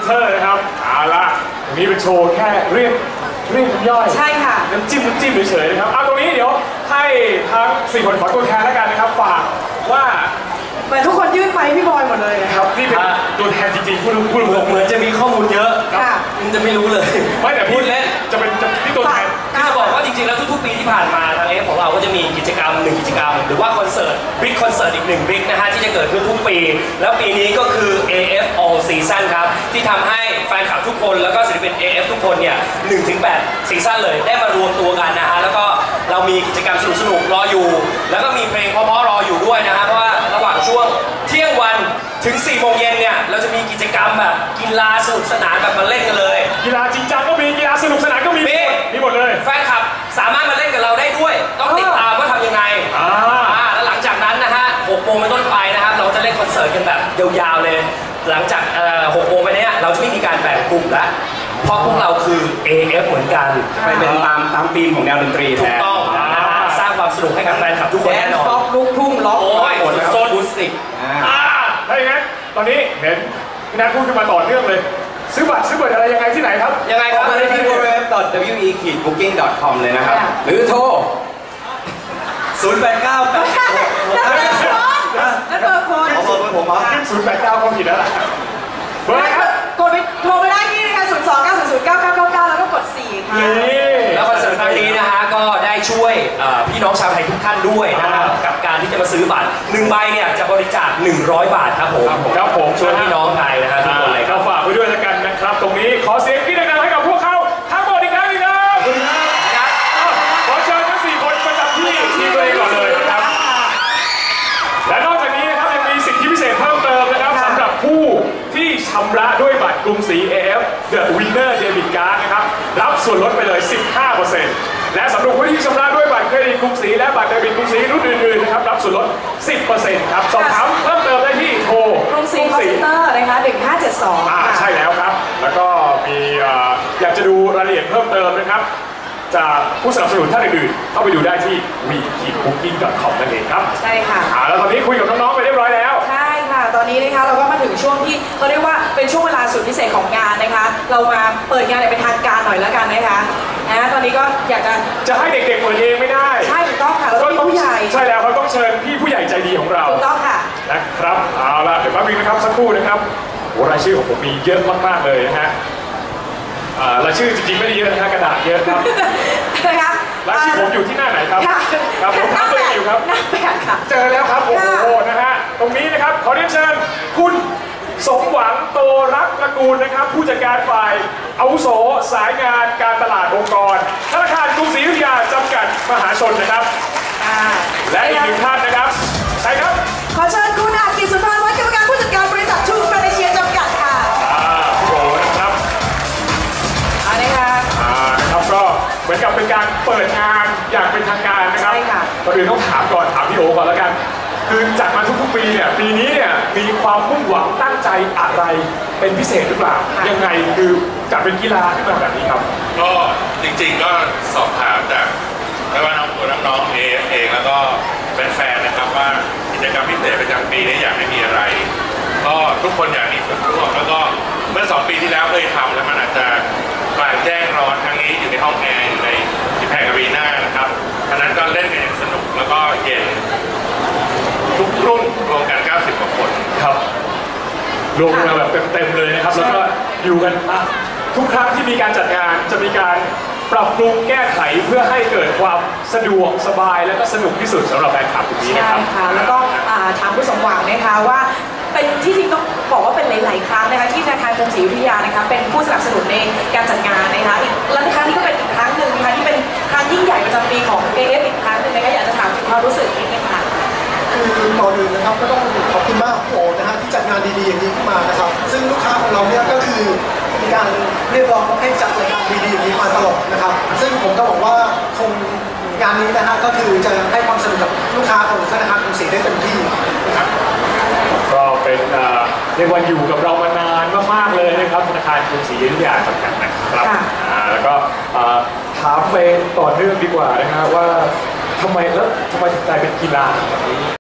เตอร์นะครับเอาละตรงนี้เป็นโชว์แค่เรียกน้ำย่อยใช่ค่ะน้ำจิ้มเฉยๆนะครับเอาตรงนี้เดี๋ยวให้ทั้ง4 คนขอตัวแทนแล้วกันนะครับฝากว่าเหมือนทุกคนยื่นไปพี่บอยหมดเลยนะครับนี่เป็นตัวแทนจริงๆพูดเหมือนจะมีข้อมูลเยอะมันจะไม่รู้เลยไม่แต่พูดเล่นจะเป็นที่ตัวแทนที่จะบอกว่าจริงๆแล้วทุกๆปีที่ผ่านมาทางของเราก็จะมีกิจกรรม1 กิจกรรมหรือว่าคอนเสิร์ตบิ๊กคอนเสิร์ตอีก1 บิ๊กนะฮะที่จะเกิดขึ้นทุกปีแล้วปีนี้ก็คือ AF All Season ครับที่ทำให้แฟนคลับทุกคนแล้วก็ศิลปิน AF ทุกคนเนี่ย 1-8 ซีซั่นเลยได้มารวมตัวกันนะฮะแล้วก็เรามีกิจกรรมสนุกๆรออยู่แล้วก็มีเพลงเพราะๆรออยู่ด้วยนะฮะเพราะว่าระหว่างช่วงเที่ยงวันถึง4 โมงเย็นเนี่ยเราจะมีกิจกรรมแบบกีฬาสนุกสนานแบบมาเล่นกันเลยกีฬาจริงจังก็มีกีฬาสนุกสนานก็มีหมดเลยแฟนคลับสามารถมาเล่นกับเราได้ด้วยต้องติดตามว่าทำยังไงแล้วหลังจากนั้นนะฮะ6 โมงเป็นต้นไปนะครับเราจะเล่นคอนเสิร์ตกันแบบยาวๆเลยหลังจาก6 โมงไปเนี้ยเราจะไม่มีการแบ่งกลุ่มแล้วเพราะพวกเราคือ AF เหมือนกันไปเป็นตามธีมของแนวดนตรีถูกต้องนะฮะสร้างความสนุกให้กับแฟนคลับทุกคนแน่นอนป๊อปลูกทุ่งล็อกโอ้ยโซนบูสติกถ้าอย่างนั้นตอนนี้เห็นพี่นัทพูดขึ้นมาต่อเนื่องเลยซื้อบัตรอะไรยังไงที่ไหนครับยังไงครับมาได้ที่ www.we-booking.com เลยนะครับหรือโทร089 นั่นเบอร์คนผมเหรอ 089ก็ผิดแล้วล่ะเบอร์ครับกดไปโทรไปได้ที่นะคะ029009999แล้วก็กด4ค่ะแล้วคอนเสิร์ตครั้งนี้นะฮะก็ได้ช่วยพี่น้องชาวไทยทุกท่านด้วยนะครับกับการที่จะมาซื้อบัตร1 ใบเนี่ยจะบริจาค100 บาทครับผมช่วยพี่น้องไทยนะฮะทุกคนเลยก็ฝากไว้ด้วยแล้วกันนะครับตรงนี้ขอเสียงพี่ดังๆให้กับพวกเขาทั้งหมดอีกครั้งนึงครับขอเชิญทั้ง4 คนประจำที่ตัวเองก่อนเลยนะครับและนอกจากนี้นะครับยังมีสิทธิพิเศษเพิ่มเติมนะครับสำหรับผู้ที่ชำระด้วยบัตรกรุงศรี AF The Winner Debit Card นะครับรับส่วนลดไปเลย 15%และสำหรับผู้ที่ชำระด้วยบัตรเครดิตกรุงศรีและบัตรเดบิตกรุงศรีรุ่นอื่นๆนะครับรับส่วนลด 10% ครับสอบถามเพิ่มเติมได้ที่โทรกรุงศรีคอลเซ็นเตอร์นะคะ1572 ใช่แล้วครับแล้วก็มีอยากจะดูรายละเอียดเพิ่มเติมนะครับจากผู้สนับสนุนท่านอื่นๆเข้าไปดูได้ที่ we-booking.com นั่นเองครับใช่ค่ะแล้วตอนนี้คุยกับน้องๆไปเรียบร้อยแล้วใช่ค่ะตอนนี้นะคะเราก็มาถึงช่วงที่เขาเรียกว่าเป็นช่วงเวลาสุดพิเศษของงานนะคะเรามาเปิดงานเป็นทางการหน่อยแล้วกันนะคะตอนนี้ก็อยากจะให้เด็กๆเปิดเองไม่ได้ใช่ถูกต้องค่ะเราต้องผู้ใหญ่ใช่แล้วเขาต้องเชิญพี่ผู้ใหญ่ใจดีของเราถูกต้องค่ะนะครับเอาละเดี๋ยวแป๊บนึงนะครับสักครู่นะครับรายชื่อของผมมีเยอะมากๆเลยนะฮะรายชื่อจริงๆไม่ได้เยอะนะฮะกระดาษเยอะครับนะคะรายชื่อผมอยู่ที่หน้าไหนครับครับผมทำตัวอยู่ครับหน้า8ค่ะเจอแล้วครับโอ้โหนะฮะตรงนี้นะครับขอเรียนเชิญคุณสมหวังโตรักตระกูลนะครับผู้จัดการฝ่ายอาวุโสสายงานการตลาดองค์กรธนาคารกรุงศรีอยุธยาจำกัดมหาชนนะครับและอีก1 ท่านนะครับใครครับขอเชิญคุณอากิจสุนทรวัฒน์กรรมการผู้จัดการบริษัททูแฟนเชียจำกัดค่ะพี่โอนะครับนะครับก็เหมือนกับเป็นการเปิดงานอย่างเป็นทางการนะครับก่อนอื่นต้องถามพี่โอก่อนแล้วกันคือจัดมาทุกๆปีเนี่ยปีนี้เนี่ยมีความมุ่งหวังตั้งใจอะไรเป็นพิเศษหรือเปล่ายังไงคือจัดเป็นกีฬาขึ้นมาแบบนี้ครับก็จริงๆก็สอบถามจากไม่ว่าน้องๆเองแล้วก็แฟนๆนะครับว่ากิจกรรมพิเศษประจำปีนี้อยากให้มีอะไรก็ทุกคนอยากมีส่วนร่วมแล้วก็เมื่อ2 ปีที่แล้วเคยทำแล้วมันอาจจะกลางแจ้งร้อนครั้งนี้อยู่ในห้องแอร์อยู่ในที่แพงอารีนานะครับฉะนั้นก็เล่นกันอย่างสนุกแล้วก็เย็นทุกรุ่นรวมกัน90 กว่าคนครับรวมกันแบบเต็มๆเลยนะครับแล้วก็อยู่กันทุกครั้งที่มีการจัดงานจะมีการปรับปรุงแก้ไขเพื่อให้เกิดความสะดวกสบายและก็สนุกที่สุดสำหรับแฟนคลับตรงนี้นะครับใช่ค่ะแล้วก็ถามผู้สมหวังนะคะว่าเป็นที่จริงต้องบอกว่าเป็นหลายๆครั้งนะคะที่ธนาคารกรุงศรีอยุธยานะคะเป็นผู้สนับสนุนในการจัดงานนะคะและครั้งนี้ก็เป็นอีกครั้งหนึ่งนะคะที่เป็นครั้งยิ่งใหญ่ประจำปีของ AF อีกครั้งหนึ่งนะคะอยากจะถามถึงความรู้สึกนิดนึงค่ะคือก่อนอื่นนะครับก็ต้องขอบคุณมากพี่โอนะฮะที่จัดงานดีๆอย่างนี้ขึ้นมานะครับซึ่งลูกค้าของเราเนี่ยก็คือมีการเรียกร้องให้จัดรายการดีๆอย่างนี้มาตลอดนะครับซึ่งผมก็บอกว่าคงงานนี้นะฮะก็คือจะให้ความสนุกกับลูกค้าของธนาคารกรุงศรีได้เต็มที่นะครับก็เป็นเรียกว่าอยู่กับเรามานานมากๆเลยนะครับธนาคารกรุงศรีอยุธยาจำกัดนะครับแล้วก็ถามไปต่อเนื่องดีกว่านะฮะว่าทำไมถึงกลายเป็นกีฬาแบบนี้